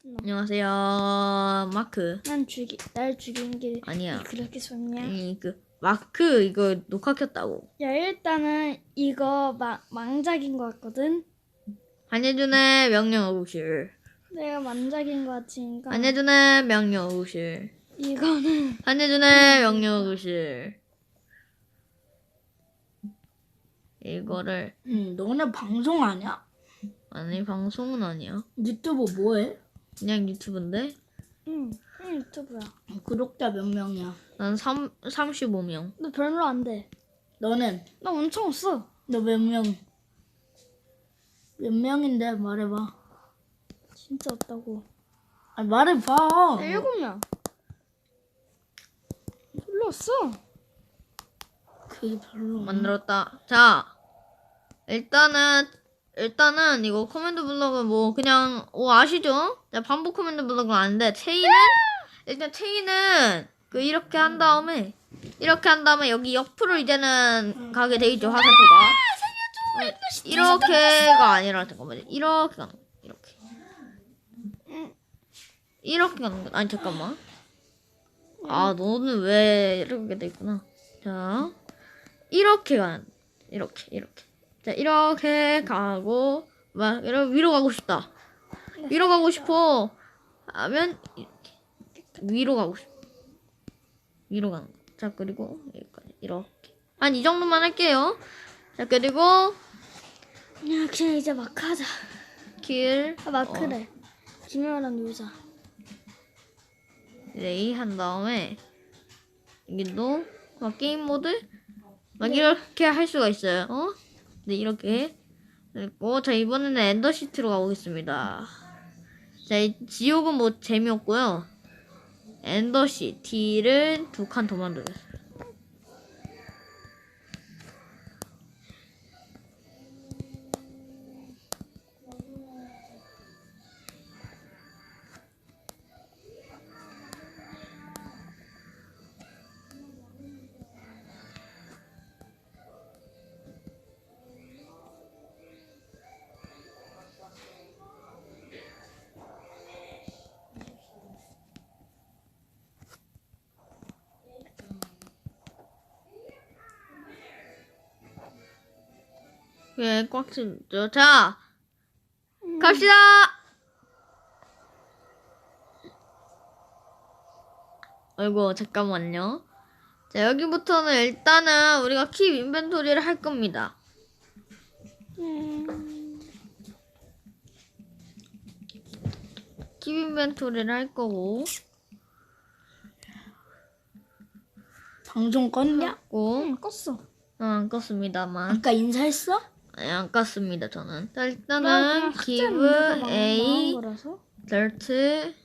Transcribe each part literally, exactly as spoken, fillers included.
안녕하세요, 마크. 난 죽이 날 죽이는 게 아니야. 그렇게 좋냐? 아니 그 마크 이거 녹화 켰다고. 야 일단은 이거 막 망작인 것 같거든. 한예준의 명령어구실. 내가 망작인 것 같으니까 한예준의 명령어구실. 이거는 한예준의 명령어구실. 이거를 응, 너네 방송 아니야? 아니 방송은 아니야. 유튜브 뭐해? 그냥 유튜브인데. 응, 응 유튜브야. 구독자 몇 명이야? 난 삼, 삼십오 명. 너 별로 안 돼. 너는? 나 엄청 없어. 너 몇 명? 몇 명인데 말해봐. 진짜 없다고. 아 말해봐. 나 일곱 명. 별로 없어. 그게 별로. 만들었다. 자, 일단은 일단은 이거 커맨드 블럭은 뭐 그냥 오 아시죠? 자, 반복 커맨드 블럭은 아닌데 체인은 일단 체인은 그 이렇게 한 다음에 이렇게 한 다음에 여기 옆으로 이제는 가게 돼 있죠, 화살표가. 어, 이렇게가 아니라 잠깐만요. 이렇게 가는 거. 이렇게. 이렇게 가는 거. 아니 잠깐만. 아, 너는 왜 이렇게 돼 있구나. 자, 이렇게 가는. 이렇게 이렇게. 자, 이렇게 가고 막 이렇게 위로 가고 싶다. 위로 가고 싶어. 하면 이렇게 위로 가고 싶어. 위로 가는 거. 자, 그리고 여기까지 이렇게. 한 이 정도만 할게요. 자, 그리고 야 그냥 이제 마크 하자. 길 아 마크래. 김연아랑 놀자. 레이 한 다음에 여기도 막 게임 모드 막 이렇게 할 수가 있어요. 어? 네, 이렇게. 그리고 자, 이번에는 엔더시티로 가보겠습니다. 자, 이 지옥은 뭐 재미없고요. 엔더시티를 두 칸 더 만들었어요. 예, 꽉 찼죠. 자, 갑시다! 아이고, 잠깐만요. 자, 여기부터는 일단은 우리가 킵 인벤토리를 할 겁니다. 음, 킵 인벤토리를 할 거고, 방송 껐냐? 고, 응 껐어. 어, 안 껐습니다만. 아까 인사했어? 아니, 안 깠습니다, 저는. 자, 나 일단은, 그냥 학자 give 문제가 망- a 망한 거라서. dirt,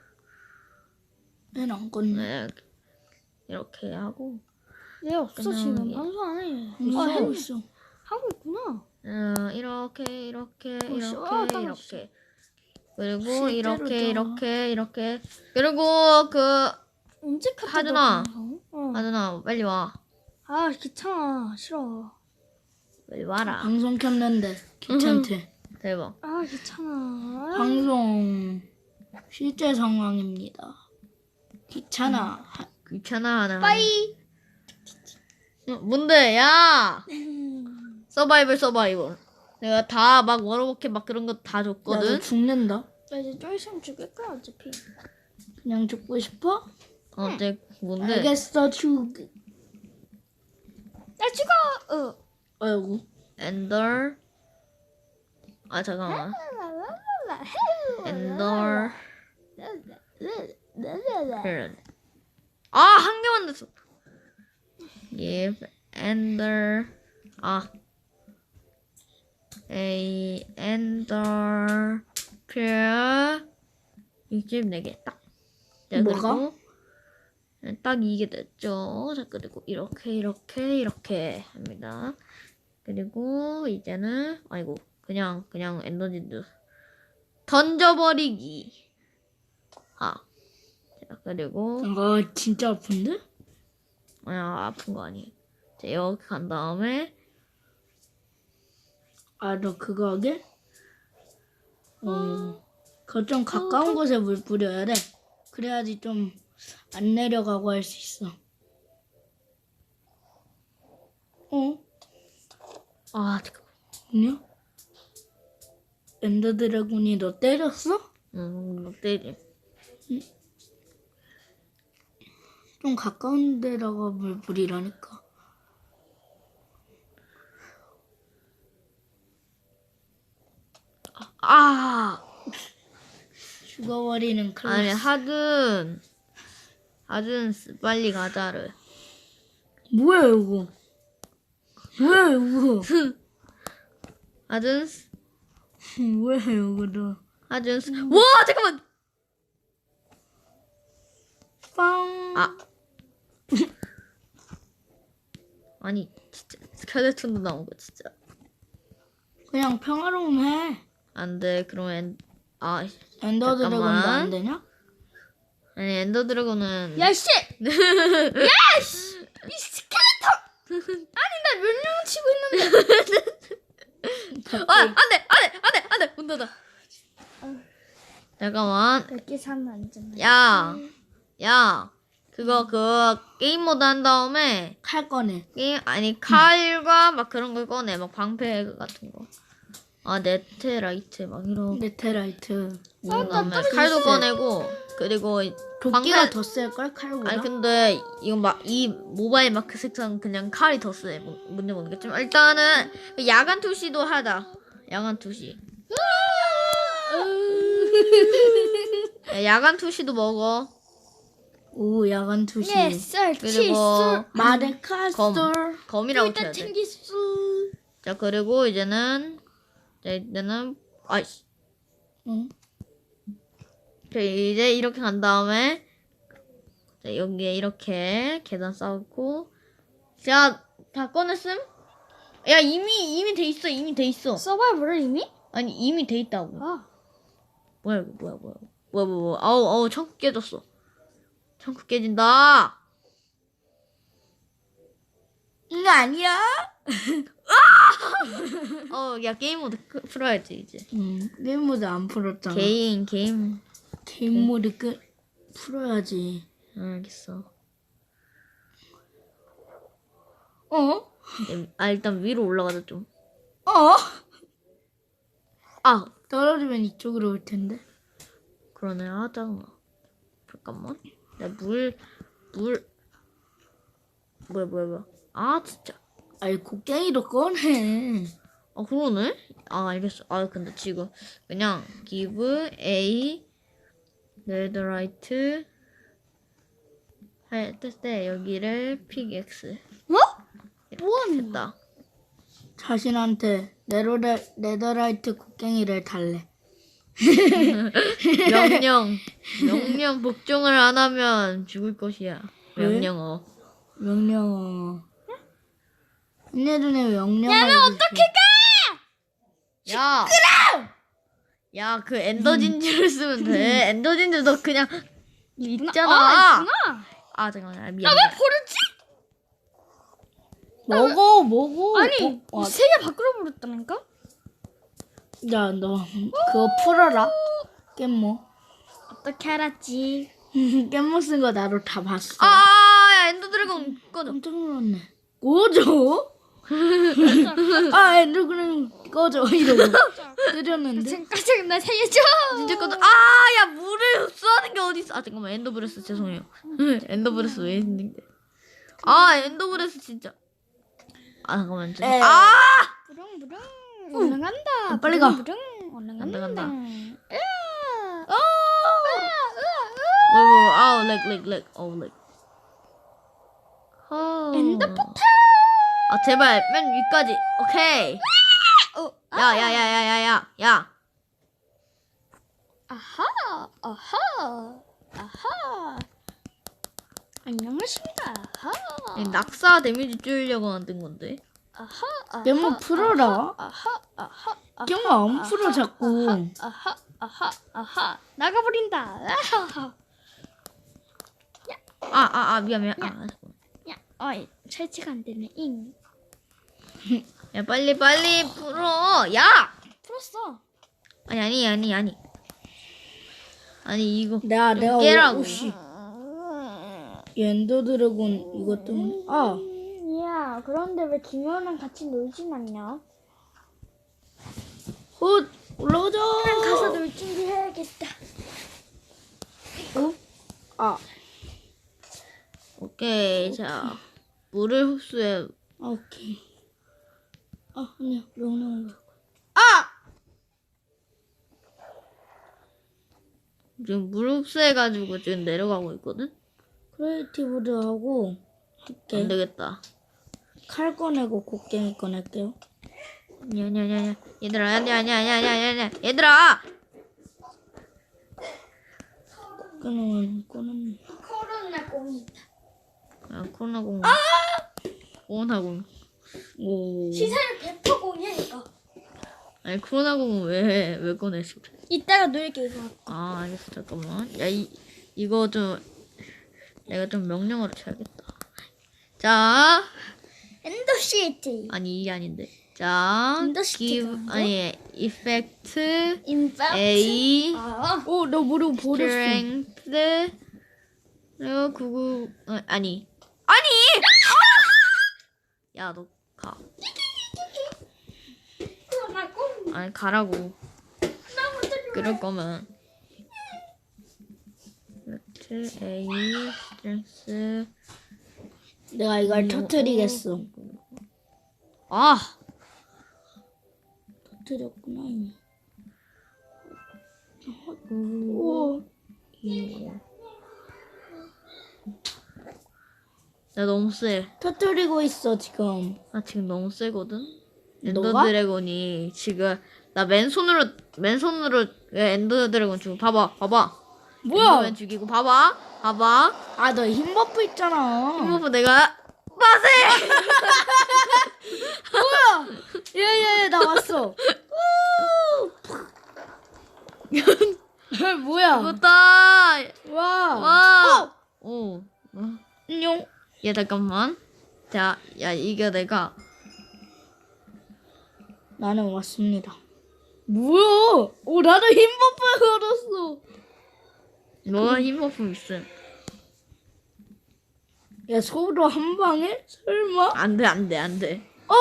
얘는 안 껐네. 네, 이렇게 하고, 얘 없어 그냥 지금 이- 방송 안 해. 있어, 아 했네. 있어. 하고 있구나. 어, 이렇게, 이렇게, 어, 씨, 아, 이렇게, 까먹었어. 이렇게. 그리고 실제로도. 이렇게, 이렇게, 이렇게. 그리고 그, 언제 카트 하준아. 방송? 어. 아누나, 빨리 와. 아 귀찮아 싫어. 빨리 와라. 방송 켰는데 귀찮대. 대박. 아 귀찮아. 방송 실제 상황입니다. 귀찮아. 하- 귀찮아 하는. 빠이. 어, 뭔데, 야! 서바이벌, 서바이벌. 내가 다 막 워러버켓 막 그런 거 다 야, 너 줬거든? 죽는다. 나 이제 좀 있으면 죽을 거야 어차피. 그냥 죽고 싶어? 어, 내, 뭔데? 알겠어, 죽. 나 죽어. 어. 아이고. 엔더. 아, 잠깐만. 엔더. 힐. 아, 한 개만 됐어. give ender. 아. a ender. peer. 이집 네 개 딱. 자, 뭐가? 그리고 딱 이게 됐죠. 자, 그리고 이렇게, 이렇게, 이렇게 합니다. 그리고 이제는, 아이고, 그냥, 그냥 에너지도 던져버리기. 아. 자, 그리고, 아, 진짜 아픈데? 아, 아픈 거 아니에요. 자, 이렇게 간 다음에, 아, 너 그거 하게? 어. 그거 좀 가까운 곳에 물 뿌려야 돼. 그래야지 좀 안 내려가고 할 수 있어. 어? 아 잠깐. 아니야? 엔더 드래곤이 너 때렸어? 음, 너 때리. 좀 가까운 데다가 물 뿌리라니까. 아 죽어버리는 아니 클래스. 하든 하든 빨리 가자를. 뭐야 이거? 뭐야 이거? 하든 뭐야 이거 너? 하든 와 잠깐만. 빵. 아 아니 진짜 스켈레톤도 나오고 진짜 그냥 평화로움 해. 안돼. 그러면 아 엔더 드래곤도 잠깐만. 안 되냐? 아니 엔더 드래곤은 야씨! 야씨! 이 스켈레톤! 아니 나 멸령 치고 있는데. 아 안돼 안돼 안돼 안돼 문 닫아. 잠깐만. 몇개 사면 안 되나? 야, 야, 그거 그 게임 모드 한 다음에 칼 꺼내. 게임 아니 칼과 막 그런 걸 꺼내. 막 방패 같은 거. 아 네트라이트 막 이런. 네테라이트. 그다음에 칼도 꺼내고 그리고 도끼가 방패- 더 셀걸 칼보다? 아니 근데 이건 막 이 모바일 마크 색상 그냥 칼이 더 세. 뭐, 뭔지 모르겠지만 일단은 그 야간 투시도 하자. 야간 투시. 야, 야간 투시도 먹어. 오 야간 투시. 예, 쌀, 그리고 칠술. 마데카솔. 검이라고 일단 쳐야 돼. 챙기수. 자 그리고 이제는 자 이제는 아이씨. 응? 자, 이제 이렇게 간 다음에 자, 여기에 이렇게 계단 쌓고 자 다 꺼냈음? 야 이미 이미 돼 있어. 이미 돼 있어. 서바이벌을 이미? 아니 이미 돼 있다고. 아. 뭐야 이거 뭐야 뭐야 뭐야 뭐야 뭐야. 아우 아우 창고 깨졌어. 창고 깨진다. 이거 아니야? 어야 게임 모드 끄- 풀어야지 이제. 응. 게임 모드 안 풀었잖아. 게임 게임. 게임 모드 끄 풀어야지. 알겠어. 어? 아 일단 위로 올라가자 좀. 어? 아 떨어지면 이쪽으로 올 텐데. 그러네. 아 짜증나. 잠깐만. 나물물 뭐야 뭐야 뭐야. 아 진짜. 아이 곡괭이도 꺼내. 아 그러네. 아 알겠어. 아 근데 지금 그냥 give a netherite 했을 때 여기를 pick x 뭐? 이렇게 됐다. 자신한테 네로레, 네더라이트 곡괭이를 달래. 명령 명령 복종을 안 하면 죽을 것이야. 왜? 명령어. 명령어. 얘네들은 명령어. 야는 어떻게 가? 야. 야, 그 엔더진주를 쓰면 돼. 엔더진주 너 그냥 있잖아. 아, 있구나. 아, 잠깐만. 아, 미안. 왜 버렸지? 먹어, 먹어. 아니, 어, 세 개 밖으로 버렸다니까? 야, 너 그거 풀어라. 깻모. 어떻게 알았지? 깻모 쓴 거 나도 다 봤어. 아, 아, 야, 엔더 드래곤 꺼져. 깜짝 놀랐네. 꺼져? 아, 엔더그램 꺼져. 이러고 때렸는데. 지금까지 나 살려줘. 진짜 꺼져. 아, 야, 물을 흡수하는 게 어디 있어? 아, 잠깐만. 엔더브레스 죄송해요. 엔더브레스 왜 했는데? 아, 엔더브레스 진짜. 아, 잠깐만. 에. 죄송. 아! 부릉부릉 올라간다. 빨리 가. 부릉부릉 올라간다. 간다, 간다. 으아. 어! 뭐, 뭐, 아우, 렉, 렉, 렉. 어우, 렉. 어. 엔더포탈. 아, 제발. 맨 위까지. 오케이. 어, 야, 야, 야, 야, 야, 야, 야. 아하, 아하, 아하. 안녕하십니까. 아하. 이 낙사 데미지 줄이려고 만든 건데. 아하, 아하. 깻모 풀어라. 아하, 아하, 아하. 깻모 안 풀어 자꾸. 아하, 아하, 아하. 나가버린다. 아하. 아, 아, 아, 미안, 미안. 아, 잠깐만. 야, 어이, 설치가 안 되네. 잉. 야, 빨리, 빨리 풀어. 야! 풀었어. 아니, 아니, 아니, 아니. 아니 이거 내가 좀 내가 깨라고. 오씨. 엔더 드래곤 이것 때문에 아 야, 그런데 왜 김효랑 같이 놀진 않냐? 헛 올라가자. 가서 놀 준비해야겠다. 어? 아 오케이 자 물을 흡수해. 아, 오케이. 아 아니야 명령. 지금 물 흡수해가지고 지금 내려가고 있거든. 크리에이티브도 하고 안 할게. 되겠다. 칼 꺼내고 곡괭이 꺼낼게요. 아니야 아니야 아니야 얘들아 아니야 아니야 아니야 아니야 아니야 얘들아. 꺼내면 꺼내. 코로나 공이 야 코로나공. 코로나공. 오. 시세를 백 퍼센트 공이야 이거. 아니 코로나공은 왜왜 꺼내지 그래? 이따가 놀게 이거. 아 알겠어 잠깐만. 야 이 이거 좀 내가 좀 명령어로 쳐야겠다. 자 엔더 시티. 아니 이게 아닌데. 자 엔더 시티가 give 아니고? 아니 effect 인팩트. A 아, 어, 나 무릎 버렸어. strength 그리고 구구 어, 아니 아니 야 너 가. 코로나 공. 아니 가라고. 나 먼저 좀. 그럴 거면 effect A strength 내가 이걸 터뜨리겠어. 아 터뜨렸구나 이미. 오. 나 너무 세. 터뜨리고 있어 지금. 나 지금 너무 세거든. 너가? 엔더 드래곤이 지금 나 맨손으로 맨손으로 엔더 드래곤 지금 봐봐 봐봐. 뭐야? 엔더맨 죽이고 봐봐 봐봐. 아 너 힘 버프 있잖아. 힘버프 내가 빠세. 뭐야? 예예 나 왔어. 뭐야? 죽었다. 와. 와. 오. 어. 안녕. 야 잠깐만. 자, 야 이게 내가 나는 왔습니다. 뭐야? 오 나도 힘 버프 걸었어. 너가 힘버프 있음. 야 서로 한 방에? 설마? 안돼 안돼 안돼. 어!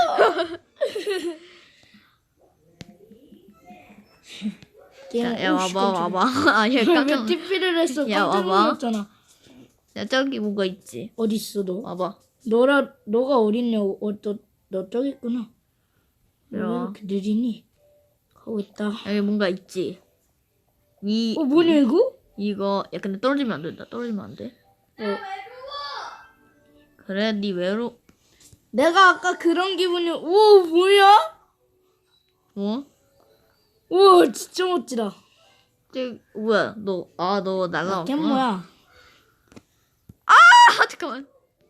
자, 야 와봐 와봐. 아, 얘 깜짝. 왜 티피를 했어? 야, 깜짝 와봐. 놀랐잖아. 야 저기 뭐가 있지? 어딨어 너? 와봐. 너라 너가 어딨냐고? 어, 너, 너 저기 있구나. 왜 이리 와. 이렇게 느리니? 가고 있다. 여기 뭔가 있지. 이 어 뭐냐 이거? 이거 야 근데 떨어지면 안 된다. 떨어지면 안 돼. 어. 그래 네 외로 내가 아까 그런 기분이 오 뭐야? 뭐? 오 진짜 멋지다. 저 뭐야 너 아 너 걔 날라왔구나. 뭐야? 아 잠깐만.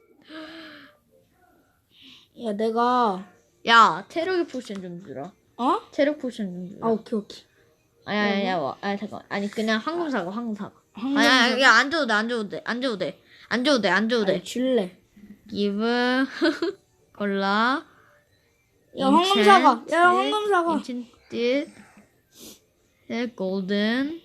야 내가 야 체력의 포션 좀 주라. 어? 체력 포션 좀 주라. 아 오케이 오케이. 아니 아니 아니 와. 아니 잠깐. 아니 그냥 황금 사과 황금 사과. 황금 아니 아니 야안 줘도 돼 안 줘도 돼 안 줘도 돼 안 줘도 돼 안 줘도 돼. 아니, 줄래. give 골라. 야 황금 사과. 야 황금 사과. enchanted golden.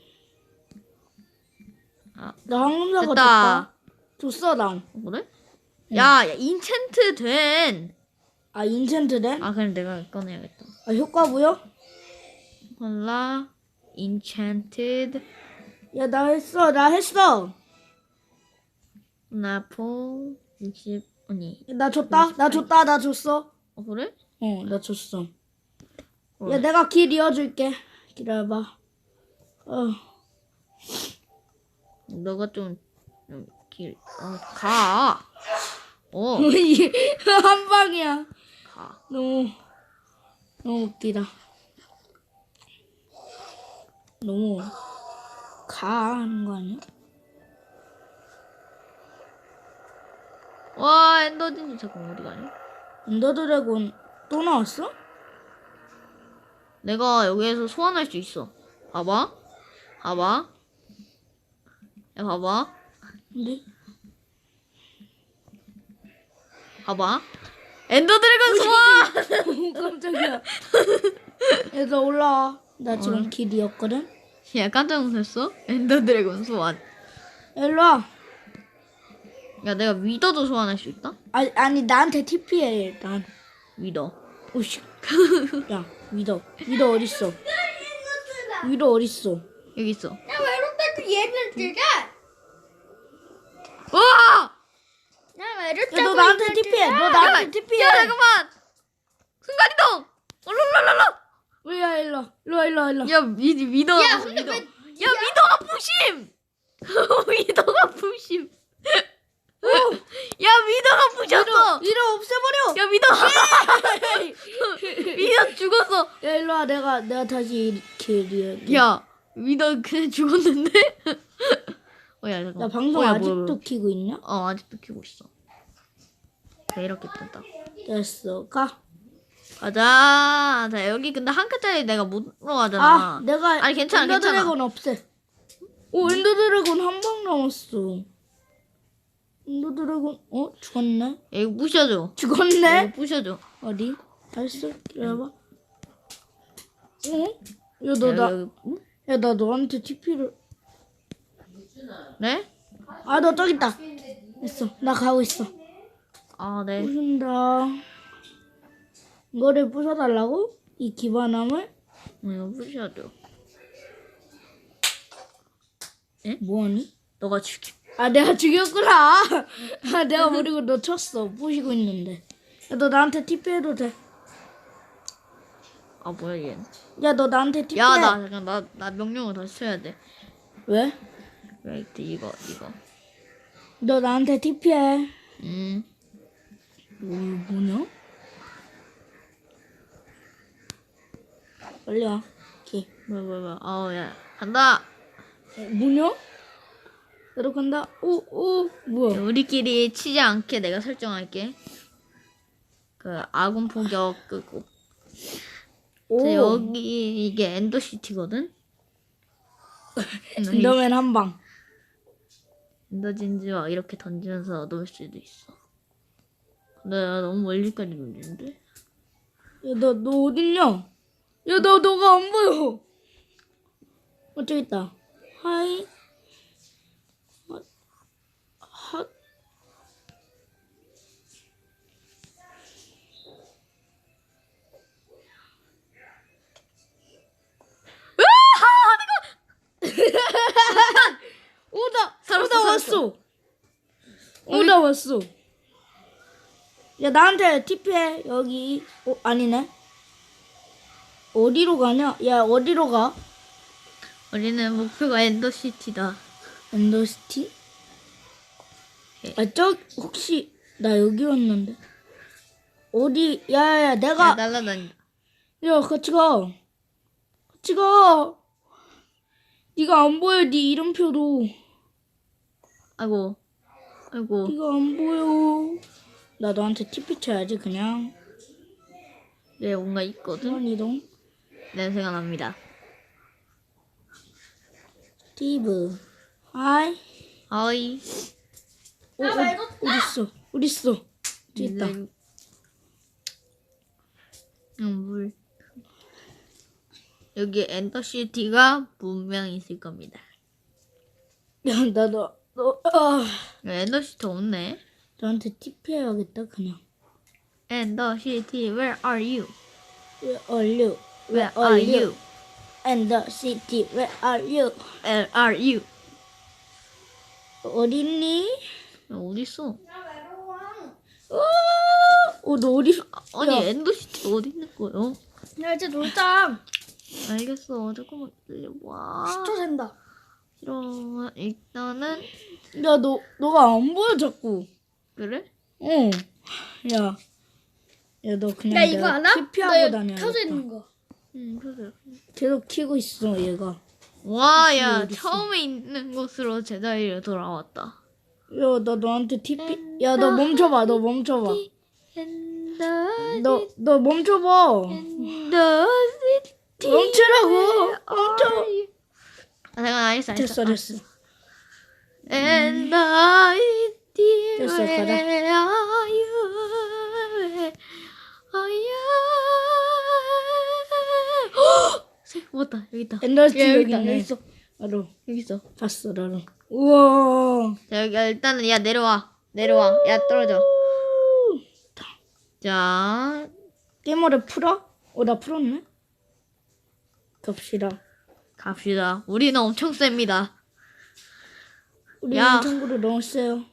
나 황금 사과 됐다. 줬다. 줬어 난. 어, 그래? 야, 야 인챈트 된. 아 인챈트 돼? 아 그럼 내가 꺼내야겠다. 아 효과 부여? 몰라. enchanted 야 나 했어 나 했어. 나포 육십 아니. 나 줬다 나 줬다 나 줬어. 어 그래? 어 나 줬어. 어. 야 내가 길 이어줄게. 기다려봐. 어. 너가 좀, 좀 길, 어, 가. 어, 한 방이야. 가. 너무 너무 웃기다. 너무 가 하는 거 아니야? 와, 엔더진이 잠깐 어디 가냐? 엔더 드래곤 또 나왔어? 내가 여기에서 소환할 수 있어. 봐봐. 봐봐. 야, 봐봐. 근데 봐봐. 엔더 드래곤 소환! 오 깜짝이야. 얘들 올라와. 나 지금 길 이었거든. 야 깜짝 놀랐어? 엔더 드래곤 소환. 일로 와. 야 내가 위더도 소환할 수 있다? 아니, 아니 나한테 티피해 일단. 위더. 오씨. 야 위더. 위더 어딨어? 위더 어딨어? 여기 있어. 나 외롭다 그 얘를 들자. 와! 나 외롭다. 야 너 나한테 티피해. 너 나한테 티피해. 야 잠깐만. 순간 이동. 얼른 야 일로 와. 일로 와 일로 와 일로 와. 야 위, 위더. 야, 근데 위더. 왜- 야 위더가 부심. 위더가 부심. 야 위더가 부셨어. 위더 없애버려. 야 위더. 위더 죽었어. 야 일로 와. 내가 내가 다시 이렇게 리 야 위더 그냥 죽었는데? 어야 잠깐. 나 방송 어, 야, 아직도 뭐야, 뭐야. 키고 있냐? 어 아직도 키고 있어. 네, 이렇게 뜬다. 됐어. 가. 가자. 자 여기 근데 한 칸짜리 내가 못 들어가잖아. 아, 내가 아니, 괜찮아, 엔더 괜찮아. 드래곤 없애. 오, 엔더 드래곤 한 방 남았어. 엔더 드래곤 어 죽었네. 야, 이거 부셔줘. 죽었네. 이거 부셔줘. 어디? 알았어. 기다려봐. 어? 야, 너 야, 나, 여기, 응? 야, 나 너한테 티피를. 네? 아, 너 저기 있다. 됐어. 나 가고 있어. 아 네. 부순다. 이거를 부숴달라고? 이 기반함을? 이거 부셔줘. 뭐하니? 너가 죽여. 아, 내가 죽였구나. 아, 내가 모르고 너 쳤어. 부시고 있는데. 야, 너 나한테 티피해도 돼. 아 뭐야 얘. 야, 너 나한테 티피해. 야 나 잠깐 나 나 명령을 다시 쳐야 돼. 왜? 웨이트 이거 이거. 너 나한테 티피해. 음. 뭐, 뭐냐? 빨리 와. 오케이. 뭐야 뭐야 뭐야. 아야 간다. 어, 뭐냐? 나도 간다. 오, 오, 뭐야? 우리끼리 치지 않게 내가 설정할게. 그 아군 포격 끄고. 오, 자, 여기 이게 엔더시티거든. 엔더맨 한 방. 엔더진지와 이렇게 던지면서 넣을 수도 있어. 근데 나 너무 멀리까지 던지는데? 야, 너, 너 어딨냐? 야, 너, 너가 안 보여. 어, 저기 있다. 하이. 하, 하. 오다, 살았어, 오다 살았어. 왔어. 오다 왔어. 야, 나한테 티피해. 여기. 어, 아니네. 어디로 가냐? 야, 어디로 가? 우리는 목표가 엔더시티다. 엔더시티? 아, 저, 혹시, 나 여기 왔는데. 어디, 야, 야, 야, 내가, 날라다닌다. 야, 같이 가. 같이 가. 네가 안 보여, 네 이름표도. 아이고, 아이고. 네가 안 보여. 나 너한테 티피 쳐야지, 그냥. 네, 뭔가 있거든. 그런 이동. 냄새가 납니다. 스티브. 하이. 아이. 어, 어, 어딨어? 어딨어? 저기 있다. 응, 물. 여기 엔더시티가 분명히 있을 겁니다. 야, 나, 너, 너, 아. 야, 엔더시티 없네. 너한테 티피 해야겠다, 그냥. 엔더시티, where are you? Where are you? Where are you? And the city, where are you? Where are you? 어딨니? 야, 어딨어? 어, 너 어디? 아니, 야. 엔더시티 어디 있는 거예요? 야 이제 놀자. 알겠어. 조금만 기다려봐. 십 초 센다. 싫어. 일단은, 야, 너, 너가 안 보여, 자꾸. 그래? 어. 야. 야, 너 그냥 야 이거 내가 알아? 티피하고 너 여기 다녀야겠다. 켜져 있는 거. 응, 그래. 계속 키고 있어, 얘가. 와, 야, 어딨어? 처음에 있는 곳으로 제자리로 돌아왔다. 야, 나 너한테 티피. 야, 너 멈춰봐, 너 멈춰봐. 엔더, 너, 너 멈춰봐. 엔더시티. 멈추라고. 멈춰. 아, 잠깐, 알겠어, 알겠어. 됐어, 됐어. 엔더시티. 됐어, 가자. where are you? Where are you? 헉! 먹었다. 여기 있다. 엔더스티 야, 여기 여기 있다, 있네. 여기 있어. 나도 여기 있어. 봤어 나도. 우와. 자 여기 일단은 야 내려와. 내려와. 야 떨어져. 자 게임머리 풀어? 어 나 풀었네. 갑시다. 갑시다. 우리는 엄청 셉니다. 우리 야. 참고로 너무 세요.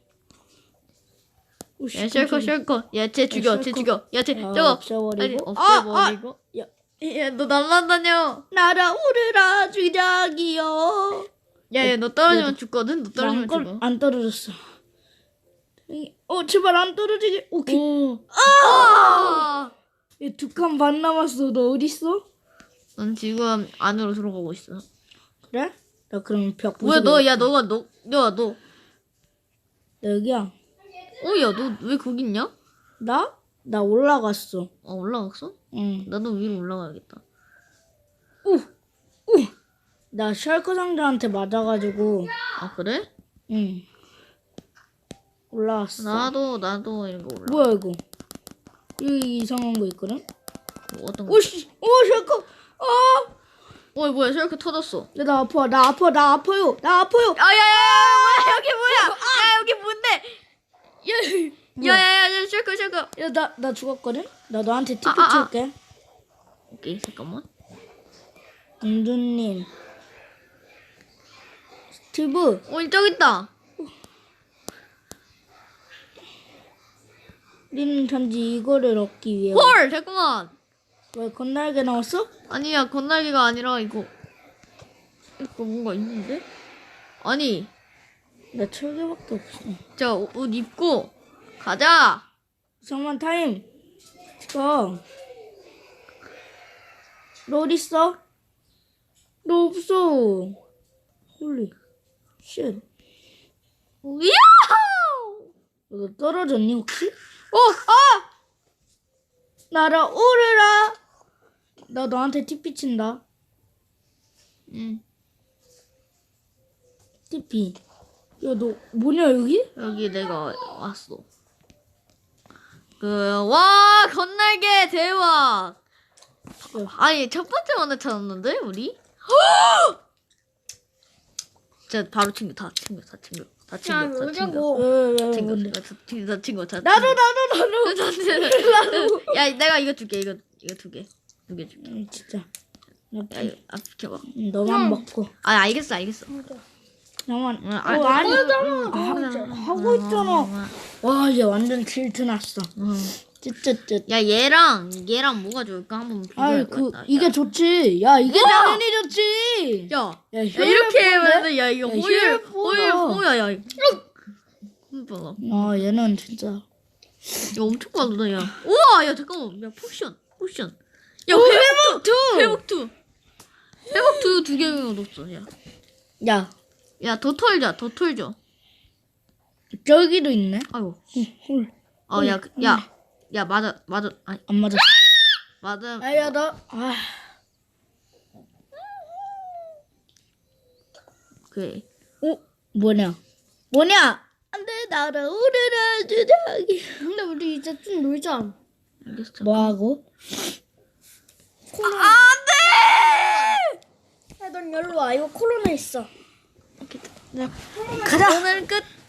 야 셜커 셜커. 야쟤 죽여. 쟤 셜커. 죽여. 야쟤 아, 저거. 없애버리고. 아니 아, 없애버리고. 야. 야너 날라다녀. 날아오르라 주작이여. 야야 너 떨어지면 야, 죽거든. 너 안, 떨어지면 떨- 죽어. 안 떨어졌어. 어 제발 안 떨어지게. 오케이. 오. 아! 두 칸 반 남았어. 너 어디 있어? 넌 지금 안으로 들어가고 있어. 그래? 나 그럼 벽 뭐야 부수고 너 야 너가 너 야 너. 나 여기야. 어 야 너 왜 거기 있냐? 나? 나 올라갔어. 아 올라갔어? 응. 나도 위로 올라가야겠다. 나 셜크 상자한테 맞아가지고. 아 그래? 응. 올라왔어. 나도 나도 이거 올라. 뭐야 이거? 여기 이상한 거 있거든? 뭐 어떤 거? 오씨, 오 셜크. 아, 어 뭐야 셜크 터졌어. 야, 나 아파, 나 아파, 나 아파요, 나 아파요. 아야야야 뭐야 여기 뭐야? 야 여기 뭔데? 뭐야? 야야야 셜크 셜크. 야, 나, 나 죽었거든? 나 너한테 티피 아, 아, 아. 칠게. 오케이 잠깐만. 은두님. 스티브. 어 저기 있다. 우리는 단지 이거를 얻기 위해. 헐 잠깐만. 왜 건날개 나왔어? 아니야 건날개가 아니라 이거 이거 뭔가 있는데? 아니 나 철개밖에 없어. 자 옷 입고 가자. 잠깐만 타임. 가. 너 어디 있어? 너 없어. 홀리. 쉣. 야호! 너 떨어졌니 혹시? 어, 아! 날아오르라. 나 너한테 티피 친다. 응. 티피. 야 너 뭐냐 여기? 여기 내가 왔어. 그, 와, 건날개 대박! 야, 아니, 첫 번째 만에 찾았는데, 우리? 진짜 바로 친구, 다 친구, 다 친구. 다 친구, 다 친구. 뭐냐고. 왜왜 친구, 뭔데? 다 친구, 다 친구, 다 나도 친구. 나도 나도. 야, 내가 이거 줄게, 이거, 이거 두 개. 두 개 줄게. 응, 진짜. 나 야, 이거, 아, 비켜봐. 응, 너만 먹고. 아, 알겠어, 알겠어. 나만. 응, 어, 알- 아니. 하잖아. 하- 하고 있잖아. 와 이제 완전 질투 났어. 응. 쯧쯧쯧. 야, 얘랑, 얘랑 뭐가 좋을까? 한번 아이 비교해보겠다. 그 이게 좋지. 야 이게 우와! 당연히 좋지. 야, 야, 야 이렇게 혈액 하면 야 이거 야, 호일 혈액 호일 보다. 호야 야 이거 봐봐 아 얘는 진짜. 이거 엄청 빠르다 야 우와 야 잠깐만 야 포션 포션 야 회복 투 회복 투 회복 투 두 개가 넣었어 야 야야더 털자 더 털자 저기도 있네. 아이고 헐. 어야야야 맞아 맞아 아니 안 맞았어. 맞아 아야 나. 아. 그래 어 뭐냐? 뭐냐? 안돼 날아오르라 주작이. 근데 우리 이제 좀 놀자. 알겠어 뭐 하고? 야, 넌 여기로 와. 이거 코로나 있어. 네. 가자. 오늘 끝